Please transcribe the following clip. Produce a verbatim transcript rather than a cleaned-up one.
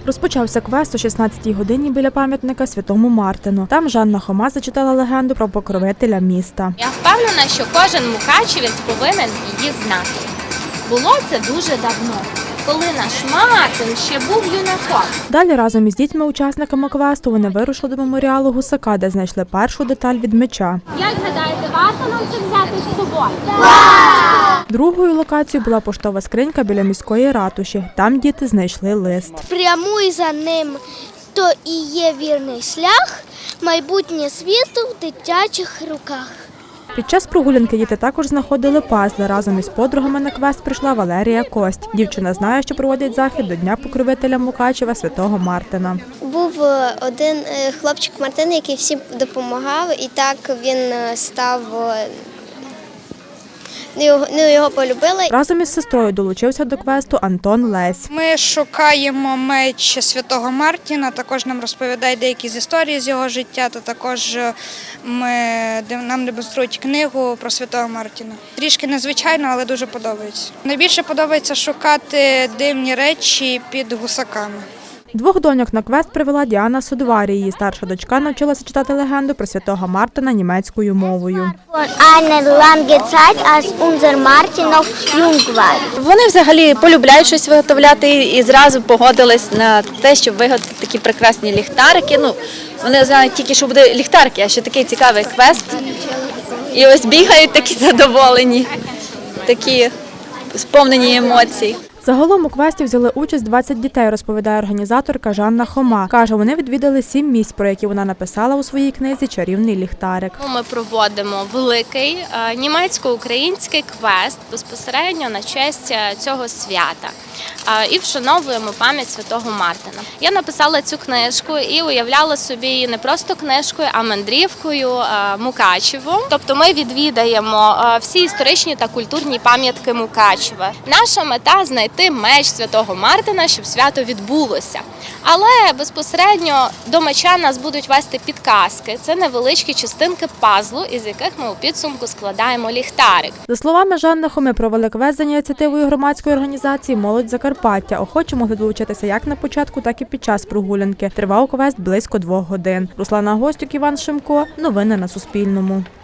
Розпочався квест о шістнадцятій годині біля пам'ятника Святому Мартину. Там Жанна Хома зачитала легенду про покровителя міста. Я впевнена, що кожен мукачівець повинен її знати. Було це дуже давно, коли наш Мартин ще був юнаком. Далі разом із дітьми-учасниками квесту вони вирушили до меморіалу Гусака, де знайшли першу деталь від меча. Як гадаєте, варто нам це взяти з собою? Другою локацією була поштова скринька біля міської ратуші. Там діти знайшли лист. Прямуй за ним, то і є вірний шлях, майбутнє світу в дитячих руках. Під час прогулянки діти також знаходили пазли. Разом із подругами на квест прийшла Валерія Кость. Дівчина знає, що проводять захід до Дня покровителя Мукачева Святого Мартина. Був один хлопчик Мартин, який всім допомагав, і так він став, ну, його полюбили. Разом із сестрою долучився до квесту Антон Лесь. Ми шукаємо меч Святого Мартіна, також нам розповідають деякі з історії з його життя, та також ми, нам демонструють книгу про Святого Мартіна. Трішки незвичайно, але дуже подобається. Найбільше подобається шукати дивні речі під гусаками. Двох доньок на квест привела Діана Судварі. Її старша дочка навчилася читати легенду про Святого Мартина німецькою мовою. Вони взагалі полюбляють щось виготовляти і зразу погодились на те, щоб виготовити такі прекрасні ліхтарики. Ну, вони знають тільки, що буде ліхтарики, а ще такий цікавий квест. І ось бігають такі задоволені, такі сповнені емоцій. Загалом у квесті взяли участь двадцять дітей, розповідає організаторка Жанна Хома. Каже, вони відвідали сім місць, про які вона написала у своїй книзі «Чарівний ліхтарик». Ми проводимо великий німецько-український квест безпосередньо на честь цього свята і вшановуємо пам'ять Святого Мартина. Я написала цю книжку і уявляла собі її не просто книжкою, а мандрівкою Мукачевом. Тобто ми відвідаємо всі історичні та культурні пам'ятки Мукачева. Наша мета – знайти меч Святого Мартина, щоб свято відбулося. Але безпосередньо до меча нас будуть вести підказки. Це невеличкі частинки пазлу, із яких ми у підсумку складаємо ліхтарик. За словами Жанни Хоми, провели квест за ініціативою громадської організації «Молодь Закарпаття». Охочі могли долучитися як на початку, так і під час прогулянки. Тривав квест близько двох годин. Руслана Гостюк, Іван Шимко. Новини на Суспільному.